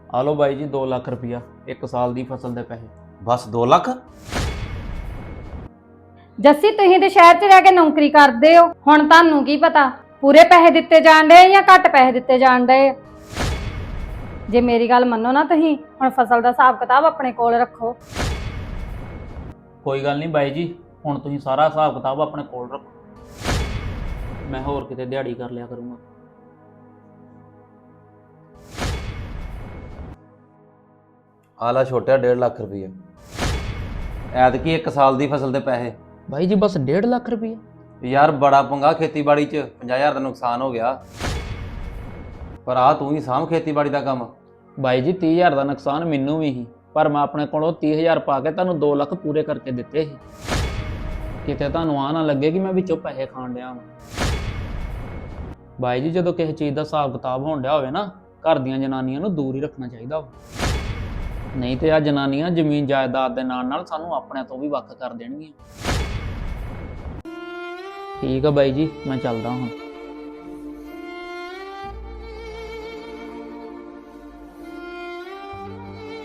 ਆ ਲਓ ਬਾਈ ਜੀ 2 ਲੱਖ ਰੁਪਇਆ 1 ਸਾਲ ਦੀ ਫਸਲ ਦੇ ਪੈਸੇ। ਬਸ 2 ਲੱਖ? ਜੱਸੀ ਤੁਸੀਂ ਤੇ ਸ਼ਹਿਰ 'ਚ ਰਹਿ ਕੇ ਨੌਕਰੀ ਕਰਦੇ ਹੋ, ਹੁਣ ਤੁਹਾਨੂੰ ਕੀ ਪਤਾ ਪੂਰੇ ਪੈਸੇ ਦਿੱਤੇ ਜਾਣ ਡਏ ਜਾਂ ਘੱਟ ਪੈਸੇ ਦਿੱਤੇ ਜਾਣ ਡਏ। ਜੇ ਮੇਰੀ ਗੱਲ ਮੰਨੋ ਨਾ, ਤੁਸੀਂ ਹੁਣ ਫਸਲ ਦਾ ਹਿਸਾਬ ਕਿਤਾਬ ਆਪਣੇ ਕੋਲ ਰੱਖੋ। ਕੋਈ ਗੱਲ ਨਹੀਂ ਬਾਈ ਜੀ, ਹੁਣ ਤੁਸੀਂ ਸਾਰਾ ਹਿਸਾਬ ਕਿਤਾਬ ਆਪਣੇ ਕੋਲ ਰੱਖੋ, ਮੈਂ ਹੋਰ ਕਿਤੇ ਦਿਹਾੜੀ ਕਰ ਲਿਆ ਕਰੂੰਗਾ। ਆ ਲੈ ਛੋਟਿਆ 1.5 ਲੱਖ ਰੁਪਈਆ, ਐਤਕੀ 1 ਸਾਲ ਦੀ ਫਸਲ ਦੇ ਪੈਸੇ। ਬਾਈ ਜੀ ਬਸ 1.5 ਲੱਖ ਰੁਪਇਆ? ਯਾਰ ਬੜਾ ਪੰਗਾ ਖੇਤੀਬਾੜੀ 'ਚ, 50,000 ਦਾ ਨੁਕਸਾਨ ਹੋ ਗਿਆ। ਪਰ ਆ ਤੂੰ ਹੀ ਸਾਂਭ ਖੇਤੀਬਾੜੀ ਦਾ ਕੰਮ। ਬਾਈ ਜੀ 30,000 ਦਾ ਨੁਕਸਾਨ ਮੈਨੂੰ ਵੀ ਸੀ, ਪਰ ਮੈਂ ਆਪਣੇ ਕੋਲੋਂ 30,000 ਪਾ ਕੇ ਤੁਹਾਨੂੰ 2 ਲੱਖ ਪੂਰੇ ਕਰਕੇ ਦਿੱਤੇ ਸੀ। ਕਿਤੇ ਤੁਹਾਨੂੰ ਆ ਨਾ ਲੱਗੇ ਕਿ ਮੈਂ ਵਿੱਚੋਂ ਪੈਸੇ ਖਾਣ ਡਿਆ ਹਾਂ। ਬਾਈ ਜੀ ਜਦੋਂ ਕਿਸੇ ਚੀਜ਼ ਦਾ ਹਿਸਾਬ ਕਿਤਾਬ ਹੋਣ ਡਿਆ ਹੋਵੇ ਨਾ, ਘਰ ਦੀਆਂ ਜਨਾਨੀਆਂ ਨੂੰ ਦੂਰ ਹੀ ਰੱਖਣਾ ਚਾਹੀਦਾ ਵਾ, ਨਹੀਂ ਤੇ ਆ ਜਨਾਨੀਆਂ ਜ਼ਮੀਨ ਜਾਇਦਾਦ ਦੇ ਨਾਲ ਸਾਨੂੰ ਆਪਣੇ ਤੋਂ ਵੀ ਵੱਖ ਕਰ ਦੇਣਗੀਆਂ। ਠੀਕ ਆ ਬਾਈ ਜੀ, ਮੈਂ ਚੱਲਦਾ ਹਾਂ।